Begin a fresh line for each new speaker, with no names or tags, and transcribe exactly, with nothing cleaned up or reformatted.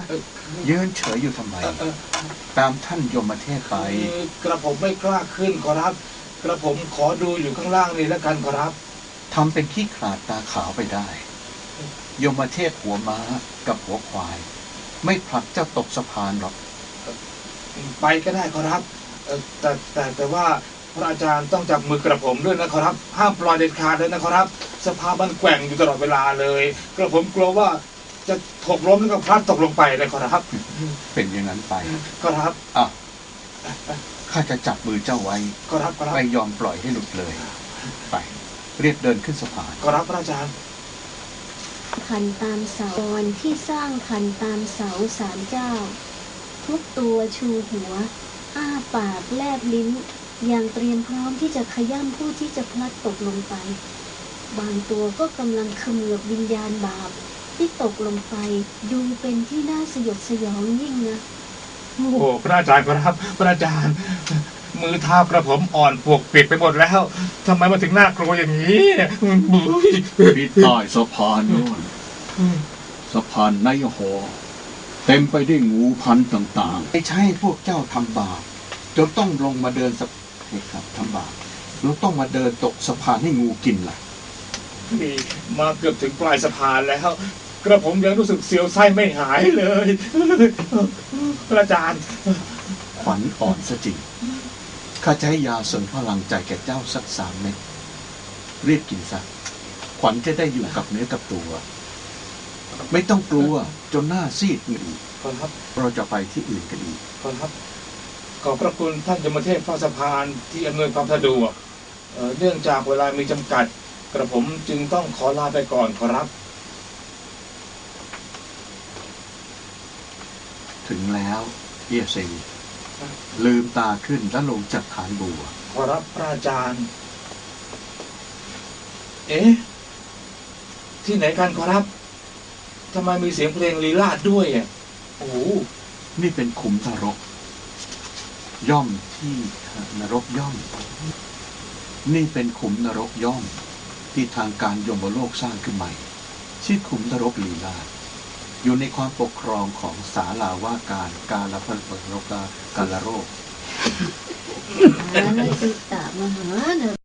ยืนเฉยอยู่ทำไมตามท่านยมเทพไป
กระผมไม่กล้าขึ้นขอรับกระผมขอดูอยู่ข้างล่างนี่แล้วกันขอรับ
ทำเป็นขี้ขลาดตาขาวไปได้ยมเทพหัวม้ากับหัวควายไม่ผลักเจ้าตกสะพานหรอก
ไปก็ได้ขอรับแต่แต่แต่ว่าพระอาจารย์ต้องจับมือกระผมด้วยนะขอรับห้ามปล่อยเด็ดขาดเลยนะขอรับสภาพมันแกว่งอยู่ตลอดเวลาเลยกระผมกลัวว่าจะถกล้มแล้วก็พลัดตกลงไปเลยขอรับ
เป็นอย่างนั้นไป
ขอรับ
อ่ะข้าจะจับมือเจ้าไว้
ขอรับขอรับ
ไม่ยอมปล่อยให้หลุดเลยไปเรียบเดินขึ้นสะพาน
ขอรับพระอาจารย์
คันตามเสาที่สร้างคันตามเสาศาลเจ้าทุกตัวชูหัวอ้าปากแลบลิ้นอย่างเตรียมพร้อมที่จะขย้ำผู้ที่จะพลัดตกลงไปบางตัวก็กำลังเขมือบวิญญาณบาปที่ตกลงไปดูเป็นที่น่าสยดสยองยิ่งนะ
โอ้พระอาจารย์ครับพระอาจารย์มือเท้ากระผมอ่อนปวกเปียกไปหมดแล้วทำไมมาถึงน่ากลัวอย่างนี้บุ้ย
ที่ใต้สะพานโน่นสะพานไนโฮเต็มไปด้วยงูพันต่างๆไม่ใช่พวกเจ้าทำบาปจนต้องลงมาเดินสะพานครับทำบาปแล้วต้องมาเดินตกสะพานให้งูกินล่ะ
นี่มาเกือบถึงปลายสะพานแล้วกระผมยังรู้สึกเสียวไส้ไม่หายเลยพระอาจารย์
ขวัญอ่อนซะจริงข้าจะให้ยาเสริมพลังใจแก่เจ้าสักสามเม็ดรีบกินซะขวัญจะได้อยู่กับเนื้อกับตัวไม่ต้องกลัวจนหน้าซีดอีก
ครับ
เราจะไปที่อื่นกันอีก
ครับขอบพระคุณท่านยมเทพฟ้าสะพานที่อำนวยความสะดวกเนื่องจากเวลามีจำกัดกระผมจึงต้องขอลาไปก่อนขอรับ
ถึงแล้วเอียเซงลืมตาขึ้นแล้วลงจากฐานบัว
ขอรับพระอาจารย์เอ๊ะที่ไหนกันขอรับทำไมมีเสียงเพลงลีลาดด้วยอ่ะโอ้
นี่เป็นขุมนรกย่อมที่นรกย่อมนี่เป็นขุมนรกย่อมที่ทางการยมโลกสร้างขึ้นใหม่ชื่อขุมนรกลีลาดอยู่ในความปกครองของศาลาว่าการกาลพันธ์โรกากาลโรค
อะไรติดตามมหาเน